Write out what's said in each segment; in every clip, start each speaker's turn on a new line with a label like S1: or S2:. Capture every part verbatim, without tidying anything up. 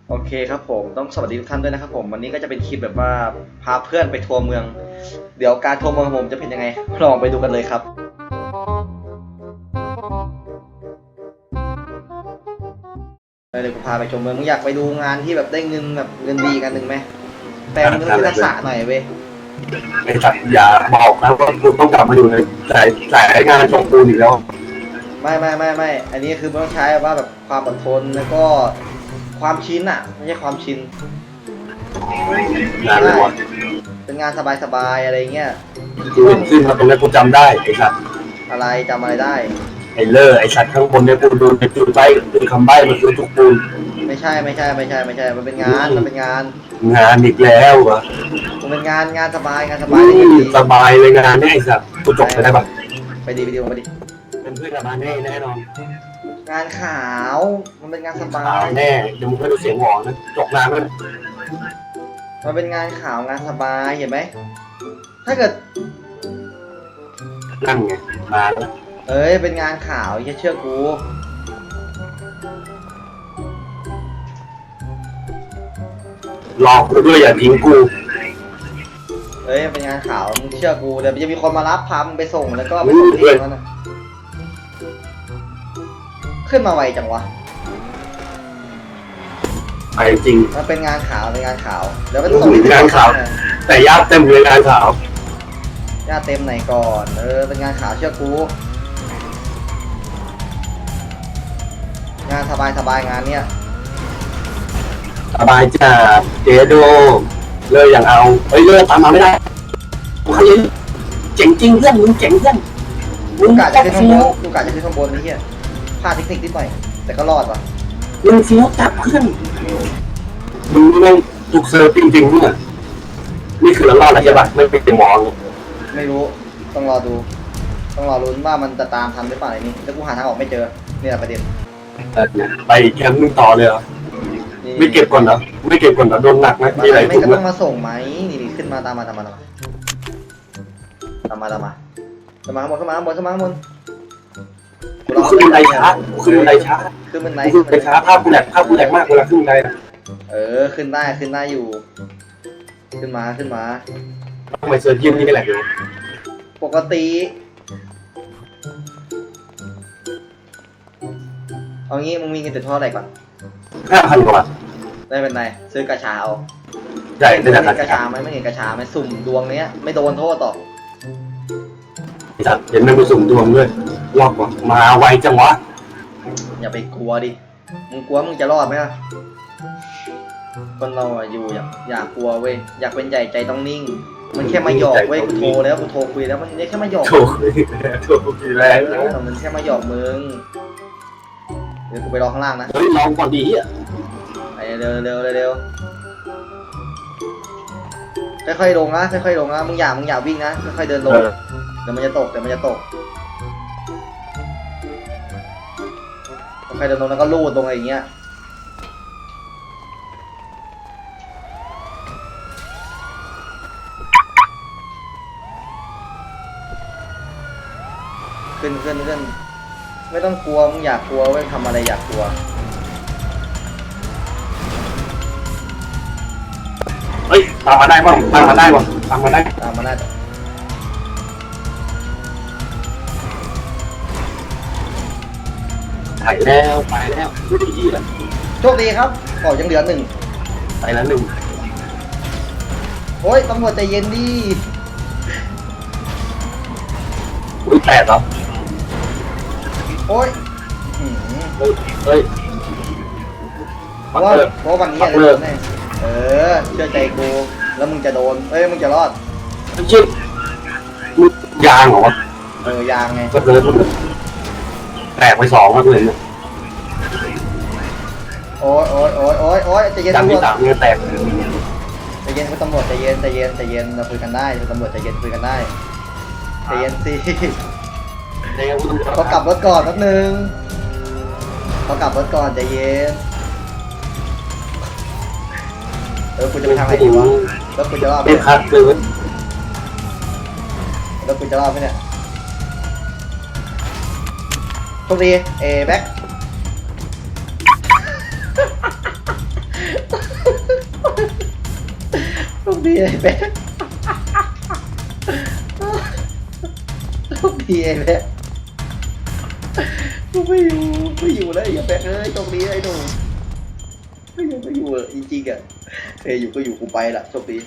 S1: โอเคครับผมต้องสวัสดีทุกท่านด้วยนะครับผมวันนี้ก็จะเป็นคลิปแบบว่าพาเพื่อนไปทัวร์เมืองเดี๋ยวการทัวร์เมืองของผมจะเป็นยังไงลองไปดูกันเลยครับเดี๋ยวกูพาไปชมเมืองมึงอยากไปดูงานที่แบบได้เงินแบบเงินดีกันหนึ่งไหมแต่มึงต้องทักษะหน่อยเว้ย
S2: ไอ้สัตว์อย่าบอกนะว่ากูต้องกลับมาอยู่ในสายสายงานช่องปูนอีกแล้ว
S1: ไม่ไม่ไม่ไม่อันนี้คือมันต้องใช้ว่าแบบความอดทนแล้วก็ความชินอ่ะไม่ใช่ความชิน
S2: งานเลยวะ
S1: เป็นงานสบายๆอะไรเงี้ย
S2: กูเห็นขึ้นมาตรงนี้กูจำได้ไอ้สัตว์
S1: อะไรจำอะไรได้
S2: ไอ้เลอร์ไอ้สัตว์ข้างบนเนี่ยกูดูในจุดใบเป็นคำใบ้มันคือทุกปูน
S1: ไม่ใช่ไม่ใช่ไม่ใช่ไม่ใช่มันเป็นงานมันเป็นงาน
S2: งานอีกแล้ววะ
S1: มันเป็นงานงานสบายงานสบาย
S2: สบายเลยงานเนี่ยไอ้สัตว์กูจบไปได้ปะ
S1: ไปดีไปดีไปดี
S2: เป็นเพื่อนกับมาแน่แน่นอน
S1: งานขาวมันเป็นงานสบา
S2: ขายแน่เดี๋ยวมึงไปดูเสียงหวอนะจบงานมัน
S1: มันเป็นงานขาวงานสบายเห็นไหมถ้าเกิด
S2: นั่งไงมาแล้ว
S1: เอ้ยเป็นงานขาวแค่เชื่อกู
S2: หลอกกูด้วยอย่าทิ้งกู
S1: เอ้ยเป็นงานขาวมึงเชื่อกูเดี๋ยวจะมีคนมารับพามึงไปส่งแล้วก็ไปส่งที่นั่นนะขึ้นมาไวจังวะ
S2: ไปจริง
S1: มันเป็นงานขาวเป็นงานขาวเดี๋ยวไป
S2: ส่งงานขาวแต่ญาติเต็มเลยงานขาว
S1: ญาติเต็มไหนก่อนเออเป็นงานขาวเชื่อกูงานสบายสบายงานเนี้ย
S2: สบายจ้าเจโดเลยอย่างเอาเฮ้ยเลิกตามมาไม่ได้กูขยันเจ๋งจริงเพื่อนมึงเจ๋งเพื่อน
S1: มึงกะจะขึ้นข้างบนมึงกะจะขึ้นข้างบนนี่เฮียพลาดเทคนิคนิดหน่อยแต่ก็รอดว่ะ
S2: มึงฟิวจับเพื่อนมึงต้องถูกเซิร์ฟจริงๆเนี่ยนี่คือเรารอดแล้วใช่ปะไม่เป็นมอง
S1: ไม่รู้ต้องรอดูต้องรอลุ้นว่ามันจะตามทันหรือเปล่าไอ้นี่แล้วกูหาทางออกไม่เจอนี่แหละประเด็น
S2: ไปแคมป์มึงต่อเลยเหรอไม่เก็บก่อนเหรอไม่เก็บก่อนเหรอโดนหนักไหมมีอะไร
S1: ไม่
S2: ถูก
S1: ก็
S2: ไหม
S1: ต้องมาส่งไหมนี่นี่ขึ้นมาตามมาตามมาตามมาตามมาตามมาตามมาข้างบนขึ้นมาข้างบนขึ้นมาข้างบน
S2: ขึ้นบันไดช้าขึ้นบันไดช้า
S1: ขึ้นบันได
S2: ขึ้นบันไดช้าภาพกูแหลกภาพกูแหลกมากเวลาขึ้นบันได
S1: เออขึ้นได้ขึ้นได้อยู่ขึ้นมาขึ้นมา
S2: ทำไมเซิร์ฟยิ่งนี่ไม่แหลกอยู่
S1: ปกติเอางี้มึงมีเงินติดท่ออะไรก่อน
S2: ห้าพันกว่า
S1: ได้เป็นไรซื้อกระชาเอา
S2: ใช่ได้
S1: กระชาไหมไม่เห็นกระชาไหมสุ่มดวงเนี้ยไม่โดนโทษต่อ
S2: จัดเห็นมันไปสุ่มดวงด้วยรอบว่ะมาไวจังวะ
S1: อย่าไปกลัวดิมึงกลัวมึงจะรอดไหมล่ะคนเราอยู่อยากอยากกลัวเว้ยอยากเป็นใหญ่ใจต้องนิ่งมันแค่มาหยอกเว้ยกูโทรแล้วกูโทรคุยแล้วมันแค่มาหยอก
S2: โทรคุยโทรคุยแล้ว
S1: มันแค่มาหยอกมึงเดี๋ยวกูไปรอข้างล่างนะ
S2: เฮ้ยลองก่อนดีอ่ะ
S1: ไปเร็วเร็วเร็วค่อยๆลงนะค่อยๆลงนะมึงอย่ามึงอย่าวิ่งนะค่อยๆเดินลงเดี๋ยวมันจะตกเดี๋ยวมันจะตกค่อยๆเดินลงแล้วก็ลูดลงอะไรอย่างเงี้ยขึ้นขึ้นขึ้นไม่ต้องกลัวมึงอยากกลัวเว้ยทำอะไรอยากกลัว
S2: เฮ้ยตามมาได้ป่ะตามมาได้ป่ะตามมาได้
S1: ตามมาได้
S2: ถ่ายแล้วไปแล้วไม่ดีแล้ว
S1: โชคดีครับก่อยังเหลือหนึ่ง
S2: ไปแล้วหนึ่ง
S1: โอ้ยตำรวจใจเย็นดิ
S2: อุ้ยแปดเหรอ
S1: โอ้ย
S2: เฮ้ย
S1: เพราะว่าเพราะวันนี้อะไรโดนแน่เออเชื่อใจกูแล้วมึงจะโดนเอ้ยมึงจะรอด
S2: ไม่ใช่มึงยางเหรอวะ
S1: เออยางไง
S2: ก็เลยแตกไปสองแล้วเลยเนี่ย
S1: โอ้ยโอ้ยโอ้ยโอ้ยโอ้ยใจเย็น
S2: ตำรวจจับเนี่ยแตก
S1: ใจเย็นคุณตำรวจใจเย็นใจเย็นใจเย็นเราคุยกันได้คุณตำรวจใจเย็นคุยกันได้ใจเย็นสิเขากลับรถก่อนแป๊บนึงเขากลับรถก่อนใจเย็นเออคุณจะไปทางไหนดีวะแล้วคุณจะรอดไหม
S2: ไม่คัดเลย
S1: แล้วคุณจะรอดไหมเนี่ยโชคดีเอแบ็คโชคดีไอ้แบ๊กโชคดีไอ้แบ๊กกูไม่อยู่ไม่อยู่แล้วไอ้แบ๊กเอ้ยโชคดีไอ้หนูไม่อยู่ไม่อยู่เออจริงๆอ่ะเอ้ยอยู่ก็อยู่กูไปละโชคดี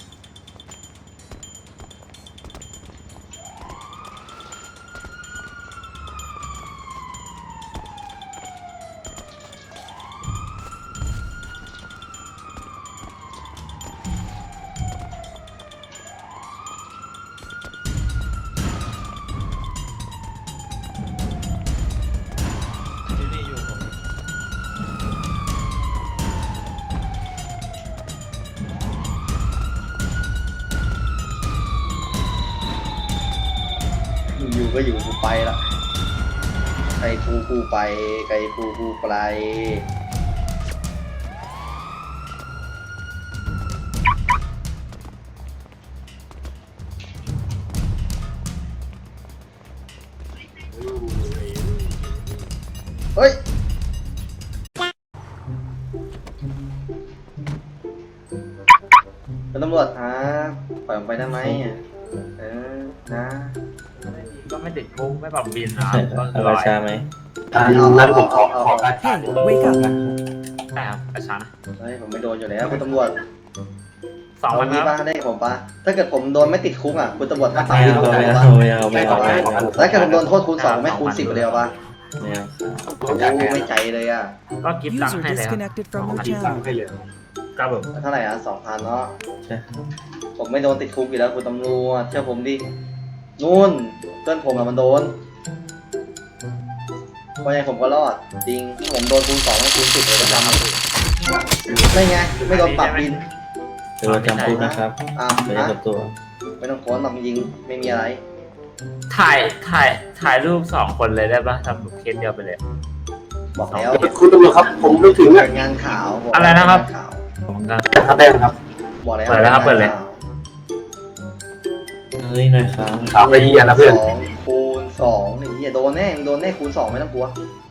S1: อยู่ก็อยู่กูไปละใครกูกูไปใครกูกูไปเฮ้ยเป็นตำรวจฮะปล่อยผมไปได้ไหมอ่ะเออนะ
S3: ก็ไม่ติดคุกไม่ปรับบินนะครับก็
S4: เอา
S3: ล
S4: รา
S3: อย
S4: ชาไหม
S2: อ่านั้นผมขอขอการถ่าย
S5: Wake up.
S3: ใช่ครับกระชันนะ
S1: เฮ้ยผมไม่โดนอยู่แล้วคุณตำรวจ
S3: สองวัน
S1: นี้
S3: ครับ
S1: ป้าได้ผมป้าถ้าเกิดผมโดนไม่ติดคุกอ่ะคุณตำรวจถ้าปรับ
S4: ไม่
S1: ที่
S4: เอา
S1: ผม
S4: ไม่
S1: ป้า
S4: เอาไม่เอาไม่เอาไม่เอาไม่เอา
S1: แล้วถ้าเกิดผมโดนโทษคูณสองไม่คูณสิบไปเลยป่ะ
S4: ไม่เอา
S1: โอ้ไม่ใจเลยอ่ะ
S3: ก็กิฟต์ตัง
S5: User
S3: ค์ให้เลยครับ
S5: disconnected from your
S2: ที่สั่ง
S5: channel.
S2: ให้เลย
S3: ครับผม
S1: เท่าไหร่อ่ะสองพันเนาะ
S4: ใช่
S1: ผมไม่โดนติดคุกอยู่แล้วคุณตำรวจเชื่อผมดินู่นเพื่อนผมอะมันโดนเพราะยังผมก็รอดจริงผมโดนคูณสองไม่คูณสิบเลยประจำไม่ไงไม่โดนปรับบิน
S4: เดี๋ยวเราจำพูดนะครับ
S1: อ่ะ
S4: ไม่ได้
S1: นะ
S4: กับตัว
S1: ไม่ต้องโค้นหรอกจริงไม่มีอะไร
S3: ถ่ายถ่ายถ่ายรูปสองคนเลยได้ปะทำแบบเคสเดียวไปเลย
S1: บอกแล้ว
S2: คุณตำรวจครับผมไม่ถึงอ่ะ
S1: เป็นงานข่าวบก
S3: อะไรนะครับ
S1: งาข่าว
S3: ผมก็
S2: ถ้าได้ครับ
S1: บอกแล้ว
S3: เปิดเลยครับเปิดเลย
S4: เฮ้ยนายครับ
S2: ถามไปเยียนะเพื่อน
S1: สองคูณสองไอ้เหี้ยโดนแน่มึงโดนแน่คูณสองไม่ต้องกลัว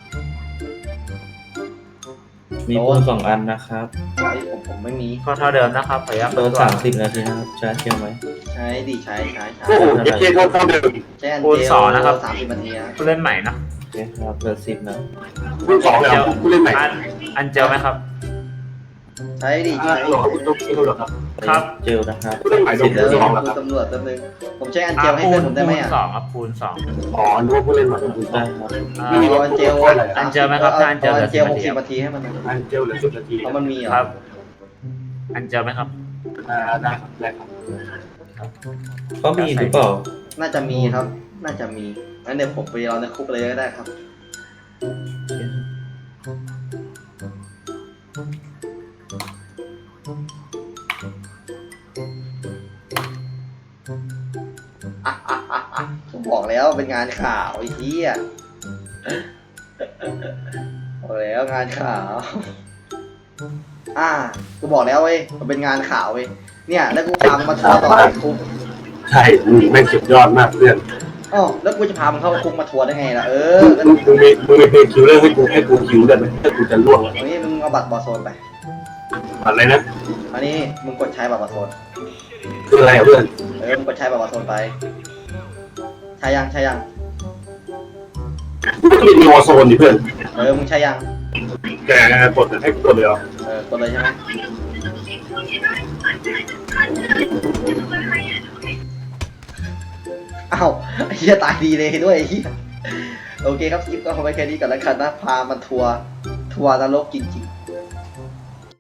S4: มีปูนสองอันนะครับ
S1: ไอ้ผมผมไม่มี
S3: ก็เท่าเดิมนะครับขออนุญาต
S4: โดนสามสิบนาทีนะครับชาร์จเที่ยวไหม
S1: ใช้ดิใช้ใช้ใช้
S2: โอ้โหเอเคโทษเท่าเดิม
S1: ใช้อัน
S3: คูณ
S1: เจ
S3: สองนะครับ
S1: สามสิบนาทีนะ
S3: ผู้เล่นใหม่เนอะ
S4: โอเคครับเหลือสิบนะ
S2: คุณสองเลยครับผู้เล่นใหม่
S3: อันอันเจอไหมครับ
S1: ใช้ดิ
S2: อ่า
S1: ใช้
S2: หรอคุณต้องคุณตำรวจครับ
S3: ครับ
S4: เจลนะครับ
S2: ผู้เล่นใหม่โด
S4: สิ
S2: น
S4: บ
S1: เดี๋ยว
S4: นาที
S2: สอง
S1: คุ
S2: แล้ว
S1: ณ
S2: ครับ
S1: ตำรวจแป๊บนึงผมใช้อันเจ
S3: อ่ะ
S1: ลให้
S3: คู
S1: เพื่อน
S3: ณ
S1: ผมได้ไหม
S3: คูณ
S1: อ่ะ
S3: สองครับคูณสอง
S2: อ๋อนึกว่าผู้เล่นใหม่โดนคุณสอ
S4: ได้
S2: ง
S4: ครับ
S3: อ่า
S1: เอาอันเจล
S3: อันเจลไหมครับถ้าอันเจล
S1: เอา
S3: เหลื
S1: อั
S3: อน
S1: เจ
S3: สิบ
S1: ลห
S3: นาก ที
S1: สิบนาทีให้มันนะ
S2: อันเจลเหลือสิบนาที
S1: เพราะมันมีเหร
S3: ครั
S1: อ่ะ
S3: บ อันเจลไหมครับ
S2: อ่าได้ครับได้ครับ
S4: ก็มีหรือเปล่า
S1: น่าจะมีครับ น่าจะมีงั้นเดี๋ยวผมไปรอในคุกเลยก็ได้ครับอ่ะอ่ะอ่ะอ่ะผมบอกแล้วเป็นงานข่าวไอ้เหี้ยบอกแล้วงานข่าว อ่ากูบอกแล้วเว้ยมันเป็นงานข่าวเว้ยเนี่ยแล้วกูพามึงมาทัวร์ต่อในคุก
S2: ใช่มึงแม่งสุดยอดมากเพื่อน
S1: อ๋อแล้วกูจะพามึงเข้าคุกมาทัวร์ได้ไงล่ะเออแล้ว
S2: มึงมึงมีมึงมีเพลงคิวเลอร์ให้กูให้กูคิวได้ไหมถ้ากูจะล่วง
S1: วันนี้มึงเอาบัตรบอลโซนไป
S2: อะไรนะ
S1: อันนี้มึงกดใช้บัตรบอลโซน
S2: คืออะไรอ่ะเพื่อน
S1: เออมึงกดใช้บัตรบอลโซนไปใช้ยังใช้ยัง
S2: มันมีวอร์โซนดิเพื่อน
S1: เออมึงใช้ยัง
S2: แกกดให้กดเลยเหรอ
S1: เออกดเลยใช่ไหมอ้าวไอ้เหี้ยตายดีเลยด้วยไอ้เหี้ยโอเคครับคลิปก็เอาไว้แค่นี้ก่อนแล้วกันนะพามันทัวร์ทัวร์นรกจริงๆ